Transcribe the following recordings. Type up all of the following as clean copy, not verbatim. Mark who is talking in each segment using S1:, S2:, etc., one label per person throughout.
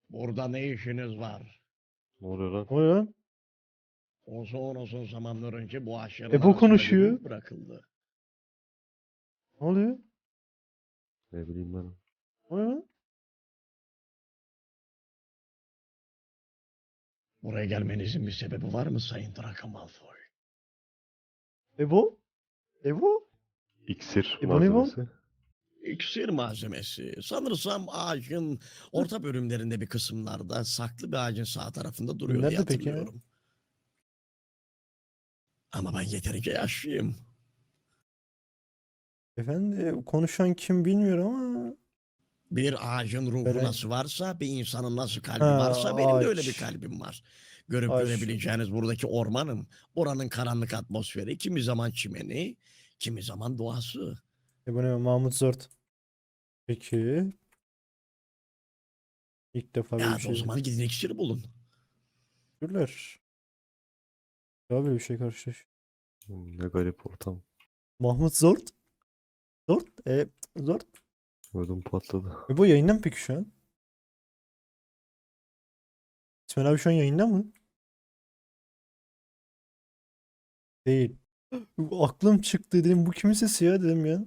S1: Burada ne işiniz var?
S2: Ne oluyor lan?
S3: O ne lan?
S1: Uzun zamanlar önce bu ağaçların
S3: Ebo
S1: arasında bir
S3: konuşuyor.
S1: ruh bırakıldı.
S3: Ne oluyor?
S2: Ne bileyim ben.
S3: O ne lan?
S1: Buraya gelmenizin bir sebebi var mı Sayın Draco Malfoy?
S3: Ebo? Ebo?
S2: İksir
S3: İbo ne bu?
S2: malzemesi.
S1: İksir malzemesi. Sanırsam ağacın orta bölümlerinde bir kısımlarda saklı bir ağacın sağ tarafında duruyor diye
S3: Nerede peki ya?
S1: hatırlıyorum. Ama ben yeterince yaşlıyım.
S3: Efendi konuşan kim bilmiyorum ama.
S1: Bir ağacın ruhu
S3: Böyle...
S1: nasıl varsa, bir insanın nasıl
S3: Ha,
S1: kalbi varsa benim de öyle bir
S3: ağaç.
S1: kalbim var. Görüp
S3: Ağaç.
S1: görebileceğiniz buradaki ormanın, oranın karanlık atmosferi, kimi zaman çimeni, kimi zaman doğası.
S3: Ebo ne? Mahmut Zort. Peki. İlk defa böyle bir
S1: Ya o
S3: şey.
S1: zaman gidin iksiri bulun.
S3: Teşekkürler. Daha böyle bir şey karşılaş.
S2: Ne garip ortam.
S3: Mahmut Zort. Zort. Zort.
S2: Ödüm patladı.
S3: Ebo yayında mı peki şu an? İsmail abi şu an yayında mı? Değil. Aklım çıktı dedim. Bu kimin sesi ya dedim ya.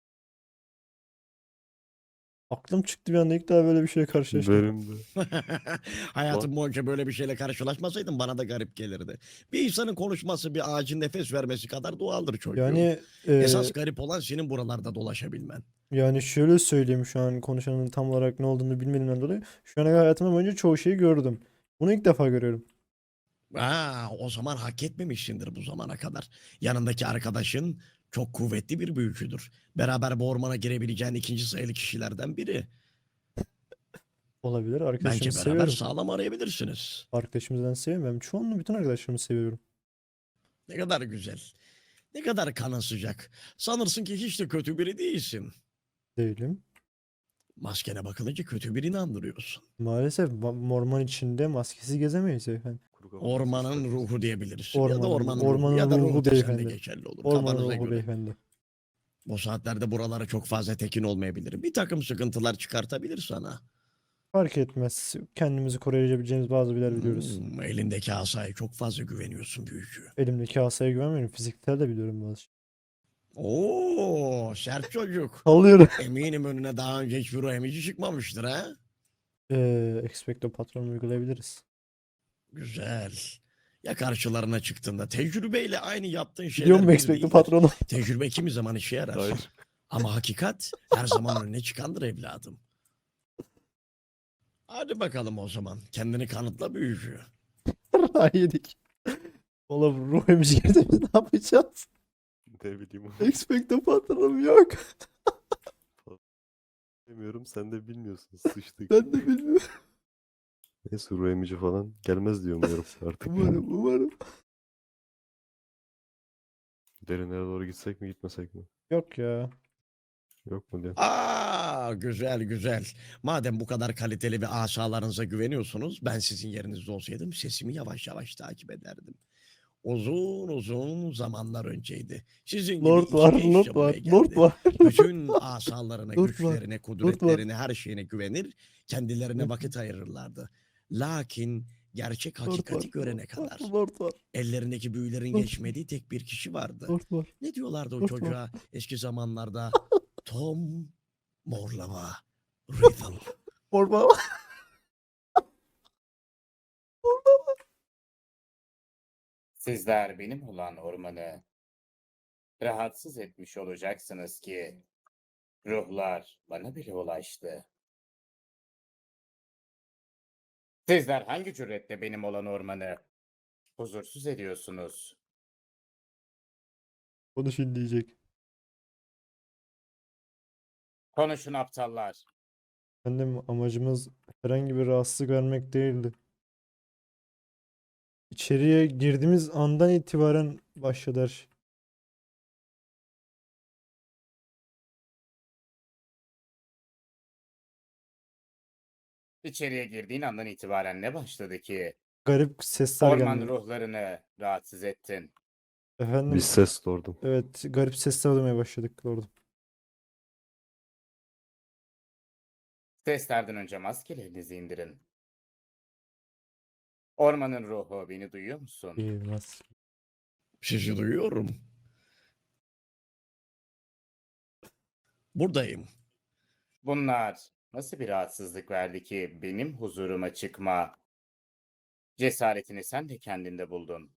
S3: Aklım çıktı bir anda ilk daha böyle bir şeye karşılaştım.
S2: Benim de.
S1: Hayatım boyunca böyle bir şeyle karşılaşmasaydım bana da garip gelirdi. Bir insanın konuşması bir ağacın nefes vermesi kadar doğaldır çocuğum.
S3: Yani
S1: Esas garip olan senin buralarda dolaşabilmen.
S3: yani şöyle söyleyeyim şu an konuşanın tam olarak ne olduğunu bilmediğimden dolayı. Şu ana kadar hayatım boyunca çoğu şeyi gördüm. Bunu ilk defa görüyorum.
S1: O zaman hak etmemişsindir bu zamana kadar. Yanındaki arkadaşın çok kuvvetli bir büyücüdür. Beraber bu ormana girebileceğin ikinci sayılı kişilerden biri.
S3: Olabilir. Arkadaşımı
S1: Bence beraber
S3: seviyorum.
S1: sağlam arayabilirsiniz.
S3: Arkadaşımızdan seviyorum. Ben çoğunluğu bütün arkadaşlarımı seviyorum.
S1: Ne kadar güzel. Ne kadar kanın sıcak. Sanırsın ki hiç de kötü biri değilsin.
S3: Değilim.
S1: Maskene bakılınca kötü birini andırıyorsun.
S3: Maalesef orman içinde maskesiz gezemeyiz efendim.
S2: Kuru kafa
S1: Ormanın
S2: sesler.
S1: ruhu diyebilirsin. Ya da ormanın ruhu
S3: Ormanın
S1: ya da ruhu
S3: ruhu
S1: da sende
S3: beyefendi.
S1: geçerli olur.
S3: Ormanın
S1: Kafanıza
S3: ruhu
S1: göre.
S3: beyefendi.
S1: Bu saatlerde buralara çok fazla tekin olmayabilir. Bir takım sıkıntılar çıkartabilir sana.
S3: Fark etmez. Kendimizi koruyabileceğimiz bazı biler biliyoruz.
S1: Elindeki asaya çok fazla güveniyorsun büyücü.
S3: Elimdeki asaya güvenmiyorum. Fiziksel de biliyorum bazı şey.
S1: Sert çocuk.
S3: Sallıyorum.
S1: Eminim önüne daha önce hiçbir ruh emici çıkmamıştır ha?
S3: Expecto Patron uygulayabiliriz.
S1: Güzel. Ya karşılarına çıktığında tecrübeyle aynı yaptığın
S3: Biliyor
S1: şeyler
S3: musun
S1: bir
S3: Expecto
S1: değildir.
S3: Patron'u?
S1: Tecrübe kimi zaman işe yarar.
S2: Hayır.
S1: Ama hakikat her zaman önüne çıkandır evladım. Hadi bakalım o zaman. Kendini kanıtla büyücü.
S3: Yedik. Oğlum ruh emici girdi biz ne yapacağız?
S2: Ne bileyim.
S3: Expecto Patron'um yok.
S2: Bilmiyorum, sen de bilmiyorsun. Sıçtık.
S3: Ben de bilmiyorum.
S2: Neyse, ruh emici falan gelmez diye umuyorum artık.
S3: Umarım.
S2: Derinlere doğru gitsek mi gitmesek mi?
S3: Yok ya.
S2: Yok mu diye.
S1: Güzel. Madem bu kadar kaliteli bir asalarınıza güveniyorsunuz, ben sizin yerinizde olsaydım sesimi yavaş yavaş takip ederdim. Uzun zamanlar önceydi. Sizin gibi
S3: Lord
S1: iki
S3: var,
S1: genç
S3: Lord
S1: de
S3: var,
S1: buraya
S3: Lord
S1: geldi.
S3: var.
S1: Bütün asalarına,
S3: Lord var,
S1: güçlerine,
S3: Lord var.
S1: kudretlerine, her şeyine güvenir, kendilerine
S3: Lord
S1: vakit ayırırlardı. Lakin gerçek
S3: var,
S1: hakikati görene
S3: Lord var,
S1: kadar
S3: Lord var,
S1: ellerindeki büyülerin
S3: Lord var,
S1: geçmediği tek bir kişi vardı.
S3: Lord var,
S1: Ne diyorlardı o
S3: Lord var.
S1: çocuğa eski zamanlarda? Tom Morlava Riddle.
S3: Orman.
S4: Sizler benim olan ormanı rahatsız etmiş olacaksınız ki ruhlar bana bile ulaştı. Sizler hangi cüretle benim olan ormanı huzursuz ediyorsunuz?
S3: Onu şimdi diyecek.
S4: Konuşun aptallar.
S3: Efendim amacımız herhangi bir rahatsızlık vermek değildi. İçeriye girdiğimiz andan itibaren başladı her şey.
S4: İçeriye girdiğin andan itibaren ne başladı ki
S3: Garip sesler
S4: orman
S3: geldi.
S4: ruhlarını rahatsız ettin?
S3: Efendim,
S2: Biz ses lordum.
S3: evet garip sesler duymaya başladık orada.
S4: Seslerden önce maskelerinizi indirin. Ormanın ruhu, beni duyuyor musun?
S3: Bilmez.
S1: Sizi duyuyorum. Buradayım.
S4: Bunlar nasıl bir rahatsızlık verdi ki benim huzuruma çıkma cesaretini sen de kendinde buldun.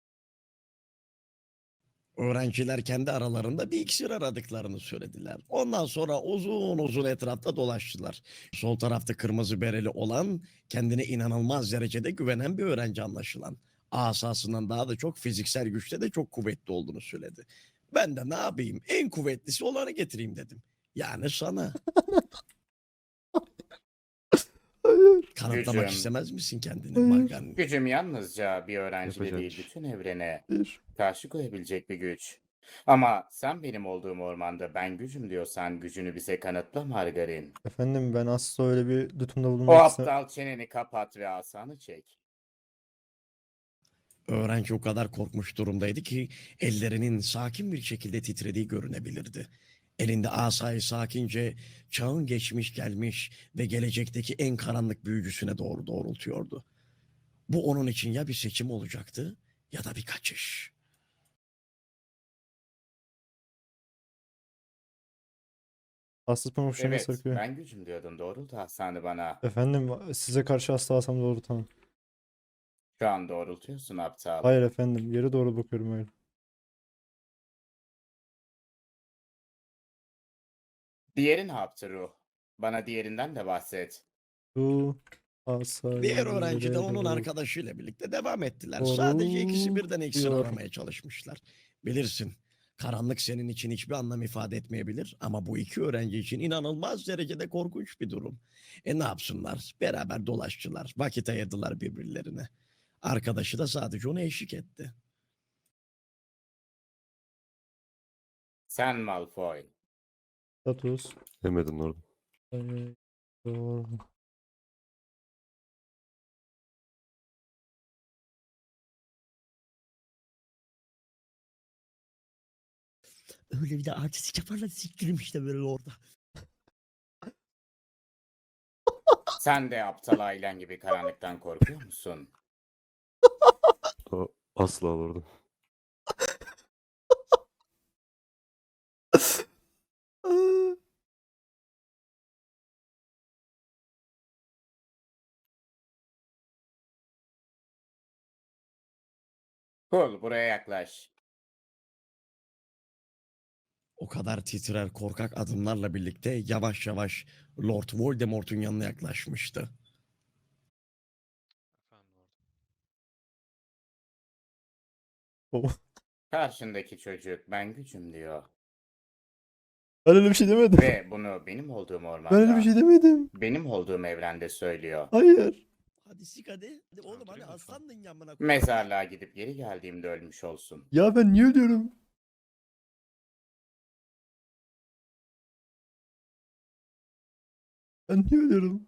S1: Öğrenciler kendi aralarında bir iksir aradıklarını söylediler. Ondan sonra uzun uzun etrafta dolaştılar. Sol tarafta kırmızı bereli olan, kendine inanılmaz derecede güvenen bir öğrenci anlaşılan. Asasından daha da çok fiziksel güçte de çok kuvvetli olduğunu söyledi. Ben de ne yapayım, en kuvvetlisi olanı getireyim dedim. Yani sana.
S3: Hayır.
S1: Kanıtlamak
S4: Gücüm,
S1: istemez misin kendini
S3: Hayır.
S1: Magan?
S4: gücüm yalnızca bir öğrencide
S2: Yapacak.
S4: değil bütün evrene
S3: Hayır.
S4: karşı koyabilecek bir güç. Ama sen benim olduğum ormanda ben gücüm diyorsan gücünü bize kanıtla Margarin.
S3: Efendim ben asla öyle bir tutumda
S4: O
S3: bulunmak istemem.
S4: aptal çeneni kapat ve asanı çek.
S1: Öğrenci o kadar korkmuş durumdaydı ki ellerinin sakin bir şekilde titrediği görünebilirdi. Elinde asayı sakince çağın geçmiş gelmiş ve gelecekteki en karanlık büyücüsüne doğru doğrultuyordu. Bu onun için ya bir seçim olacaktı ya da bir kaçış.
S3: Hassas pamuçlarına
S4: Evet,
S3: sarkıyor.
S4: ben gücüm diyordun. Doğrultu asanı bana.
S3: Efendim size karşı asla asam doğru tamam.
S4: Şu an doğrultuyorsun aptal.
S3: Hayır efendim yere doğru bakıyorum öyle.
S4: Diğeri ne yaptı ruh? Bana diğerinden de bahset.
S3: Bu asayı
S1: Diğer öğrenci de
S3: yere
S1: onun
S3: doğru
S1: arkadaşıyla birlikte devam ettiler. Sadece ikisi birden iksir
S3: doğrultuyor.
S1: aramaya çalışmışlar. Bilirsin, karanlık senin için hiçbir anlam ifade etmeyebilir ama bu iki öğrenci için inanılmaz derecede korkunç bir durum. Ne yapsınlar? Beraber dolaştılar, vakit ayırdılar birbirlerine. Arkadaşı da sadece ona eşlik etti.
S4: Sen Malfoy.
S3: Status.
S2: Yemedim orada.
S3: Doğru.
S1: Öyle bir de artistik yaparlar, siktirim işte böyle orada.
S4: Sen de aptal ailen gibi karanlıktan korkuyor musun?
S2: Asla orada.
S4: Cool, buraya yaklaş.
S1: O kadar titrer korkak adımlarla birlikte yavaş yavaş Lord Voldemort'un yanına yaklaşmıştı.
S3: Baba,
S4: Karşındaki çocuk ben gücüm diyor.
S3: ben öyle bir şey demedim.
S4: Ve bunu benim olduğum
S3: Ben öyle bir
S4: ormanda,
S3: şey demedim.
S4: benim olduğum evrende söylüyor.
S3: Hayır.
S1: Hadi sik hadi. Hadi oğlum hadi aslandın yanına.
S4: Mezarlığa gidip geri geldiğimde ölmüş olsun.
S3: Ya ben niye ölüyorum? Ben niye ölüyorum?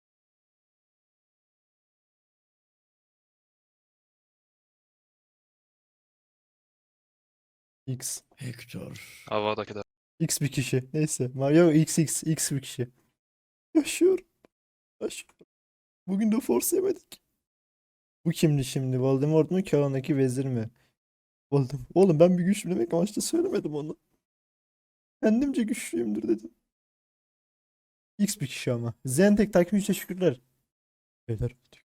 S3: X.
S1: Hector.
S5: Havadaki de.
S3: X bir kişi. Neyse. Mario X bir kişi. Yaşıyorum. Yaşıyorum. Bugün de Force yemedik. Bu kimdi şimdi? Voldemort mu? Kağındaki vezir mi? Voldemort. Oğlum ben bir güçlü demek amaçlı söylemedim onu. Kendimce güçlüyümdür dedim. X bir kişi ama. Zentek takip için teşekkürler. Beyler.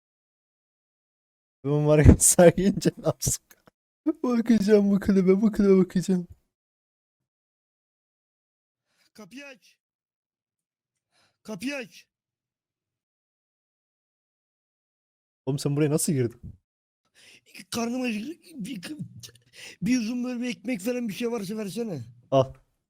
S3: Ben var ya sakince ne yapsın? Bakacağım bu klibe bakacağım.
S1: Kapıyı aç. Kapıyı aç.
S3: Oğlum sen buraya nasıl girdin?
S1: Karnım acıktı. Bir uzun böyle bir ekmek falan bir şey varsa versene.
S3: Al.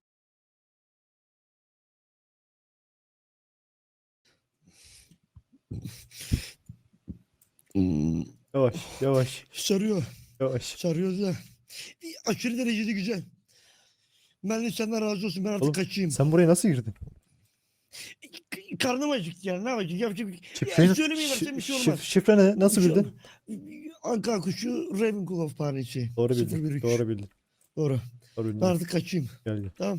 S3: Yavaş, yavaş,
S1: Sarıyor.
S3: yavaş.
S1: Sarıyor da. Aşırı derecede güzel. Ben de senden razı olsun. Ben artık
S3: Oğlum
S1: kaçayım.
S3: sen buraya nasıl girdin?
S1: Karnım acıktı yani. Ne yapacak? Yapacak bir
S3: Şifreyi,
S1: ya söylemeyi versen bir şey olmaz.
S3: şifre ne? Nasıl
S1: Bir şey
S3: bildin?
S1: olmaz. Anka kuşu Ravenclaw faresi.
S3: Doğru bildin.
S1: 013.
S3: Doğru bildin.
S1: Doğru.
S3: Doğru bildin.
S1: Ben artık kaçayım.
S3: Gel gel.
S1: Tamam.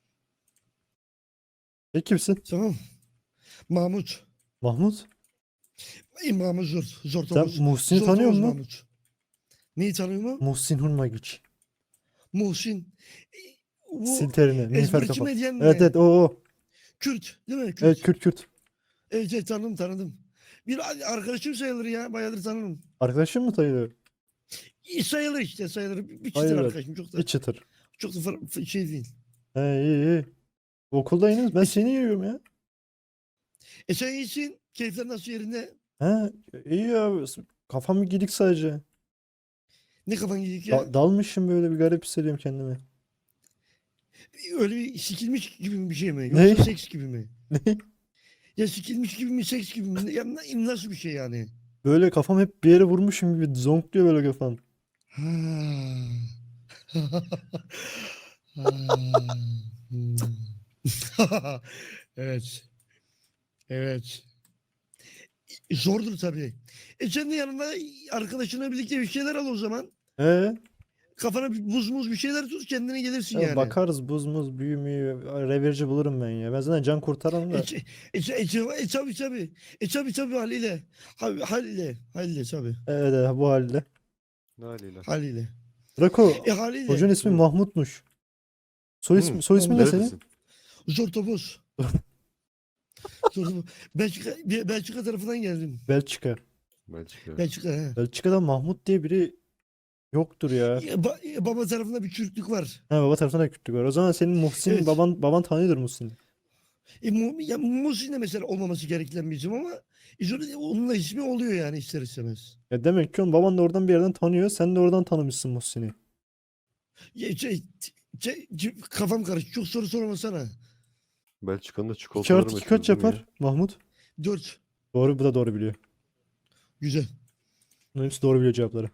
S3: Sen kimsin?
S1: Tamam. Mahmut.
S3: Mahmut?
S1: Mahmut Zor. Zor
S3: Sen
S1: Topuz.
S3: Muhsin'i
S1: Zor
S3: tanıyor
S1: Topuz
S3: musun?
S1: Mahmut. Neyi tanıyor mu?
S3: Muhsin Hurmagiç.
S1: Muhsin. Bu
S3: Sil terini. Nilüfer
S1: ezberci
S3: kafa.
S1: medyen
S3: Evet
S1: mi?
S3: evet o.
S1: Kürt değil mi?
S3: Evet
S1: Kürt.
S3: Kürt.
S1: Evet, evet, tanıdım. Bir arkadaşım sayılır ya. Bayağıdır tanırım.
S3: Arkadaşın mı sayılıyor?
S1: Sayılır işte sayılır. Bir çıtır
S3: Hayır.
S1: arkadaşım.
S3: Bir çıtır.
S1: Çok da şey değil.
S3: He iyi. Okuldayınız. Ben
S1: E,
S3: seni yiyorum ya.
S1: sen iyisin. Keyifler nasıl yerinde?
S3: He iyi ya. Kafam gidik sadece.
S1: Ne kafan gidik ya?
S3: Dalmışım böyle bir garip hissediyorum kendimi.
S1: Öyle bir sikilmiş gibi mi bir şey mi?
S3: Ne?
S1: Yoksa seks gibi mi?
S3: Ne?
S1: Ya sikilmiş gibi mi seks gibi mi? Ya nasıl bir şey yani?
S3: Böyle kafam hep bir yere vurmuşum gibi zonkluyor böyle kafam.
S1: Ha. Ha. Hmm. Evet. Evet. Zordur tabii. Sen de yanında arkadaşınla birlikte bir şeyler al o zaman.
S3: He?
S1: Kafana bir buz muz bir şeyler tut kendine gelirsin
S3: Ya
S1: yani.
S3: bakarız buz muz büyü müyü revirci bulurum ben ya. Ben zaten can kurtaranım da.
S1: Tabii. Tabii haliyle. Haliyle tabii.
S3: Evet evet, bu halde.
S2: Ne haliyle?
S1: Haliyle.
S3: Draco
S1: Haliyle.
S3: hocanın ismi
S2: Hı.
S3: Mahmut'muş. Soy ismi, soy ismi ne
S1: Mahmut.
S3: senin?
S2: Neredesin?
S1: Zor topuz. Zor topuz. Belçika tarafından geldim.
S3: Belçika.
S2: Belçika.
S1: Belçika he.
S3: Belçika'da Mahmut diye biri yoktur ya.
S1: Baba tarafında bir Türklük var.
S3: Ha baba tarafından da Kürtlük var. O zaman senin Muhsin
S1: Evet.
S3: baban tanıyordur Muhsin.
S1: Muhsin de mesela olmaması gereken bir isim ama onun da ismi oluyor yani ister istemez.
S3: Ya demek ki onun baban da oradan bir yerden tanıyor. Sen de oradan tanımışsın Muhsin'i.
S1: Ya, kafam karıştı. Çok soru sormasana.
S2: Belçika'nın da
S3: 2
S2: çikolataları
S3: artı 2
S2: meşhur
S3: kaç
S2: değil mi ya?
S3: yapar Mahmut?
S1: 4.
S3: Doğru bu da doğru biliyor.
S1: Güzel.
S3: Bunların hepsi doğru biliyor cevapları.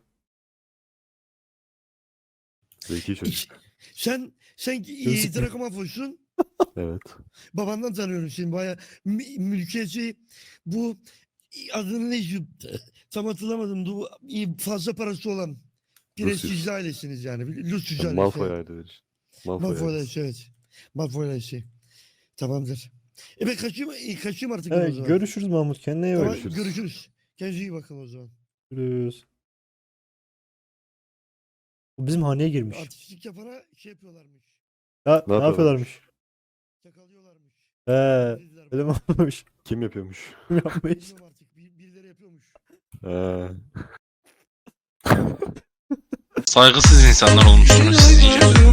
S2: Zeki çocuk.
S1: Sen
S3: Gözükmüyor.
S1: Drakomafoş'sun.
S2: Evet.
S1: Babandan tanıyorum seni. Bayağı mülkiyeti bu adını ne tam hatırlamadım. Bu fazla parası olan prestijli ailesiniz yani. Lucius ailesi.
S2: Malfoy aileleri. Malfoy
S1: Malfoy
S2: ailesi.
S1: ailesi evet. Malfoy ailesi. Tamamdır. Ben kaçayım artık ben o
S3: Evet,
S1: zaman.
S3: görüşürüz Mahmut. Kendine iyi bak.
S1: Tamam,
S2: Görüşürüz.
S1: görüşürüz. Kendinize iyi bakın o zaman.
S3: Görüşürüz. O bizim haneye girmiş.
S1: Artistlik yapana şey yapıyorlarmış.
S3: Ya, ne
S2: yapıyorlar?
S3: yapıyorlarmış?
S1: Yakalıyorlarmış.
S3: He,
S1: Dediler
S3: öyle mi
S1: bana.
S3: olmuş?
S2: Kim yapıyormuş?
S3: Kim yapmış?
S1: Bilmiyorum artık. Birileri yapıyormuş.
S2: Ha.
S5: Saygısız insanlar olmuşsunuz siz iyice.